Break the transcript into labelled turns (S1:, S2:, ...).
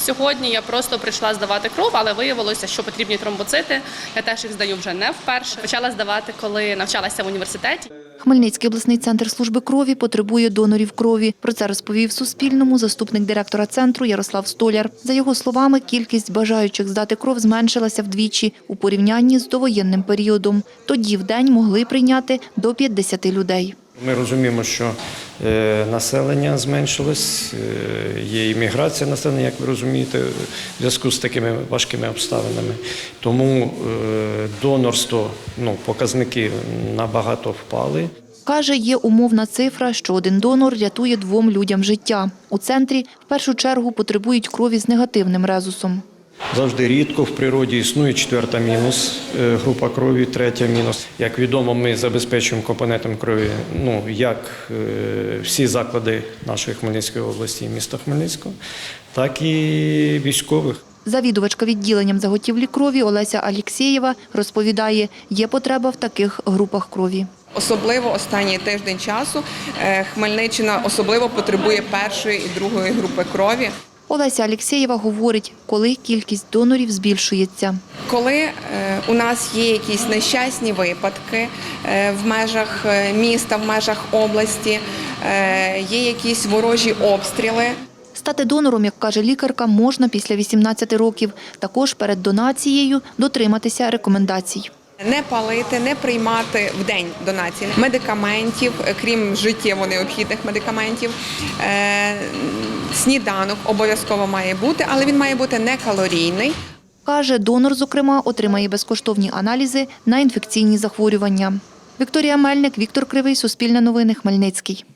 S1: Сьогодні я просто прийшла здавати кров, але виявилося, що потрібні тромбоцити. Я теж їх здаю вже не вперше. Почала здавати, коли навчалася в університеті.
S2: Хмельницький обласний центр служби крові потребує донорів крові. Про це розповів Суспільному заступник директора центру Ярослав Столяр. За його словами, кількість бажаючих здати кров зменшилася вдвічі у порівнянні з довоєнним періодом. Тоді в день могли прийняти до 50 людей.
S3: Ми розуміємо, що населення зменшилось, є імміграція населення, як ви розумієте, в зв'язку з такими важкими обставинами. Тому донорство, показники набагато впали.
S2: Каже, є умовна цифра, що один донор рятує 2 людям життя. У центрі в першу чергу потребують крові з негативним резусом.
S3: Завжди рідко в природі існує 4-та мінус група крові, 3-та мінус. Як відомо, ми забезпечуємо компонентом крові як всі заклади нашої Хмельницької області і міста Хмельницького, так і військових.
S2: Завідувачка відділенням заготівлі крові Олеся Алєксєєва розповідає, є потреба в таких групах крові.
S4: Особливо останній тиждень часу Хмельниччина особливо потребує 1-ї і 2-ї групи крові.
S2: Олеся Алєксєєва говорить, коли кількість донорів збільшується.
S4: Коли у нас є якісь нещасні випадки в межах міста, в межах області, є якісь ворожі обстріли.
S2: Стати донором, як каже лікарка, можна після 18 років. Також перед донацією дотриматися рекомендацій.
S4: Не палити, не приймати в день донації медикаментів, крім життєво необхідних медикаментів. Сніданок обов'язково має бути, але він має бути не калорійний.
S2: Каже, донор, зокрема, отримає безкоштовні аналізи на інфекційні захворювання. Вікторія Мельник, Віктор Кривий, Суспільне новини, Хмельницький.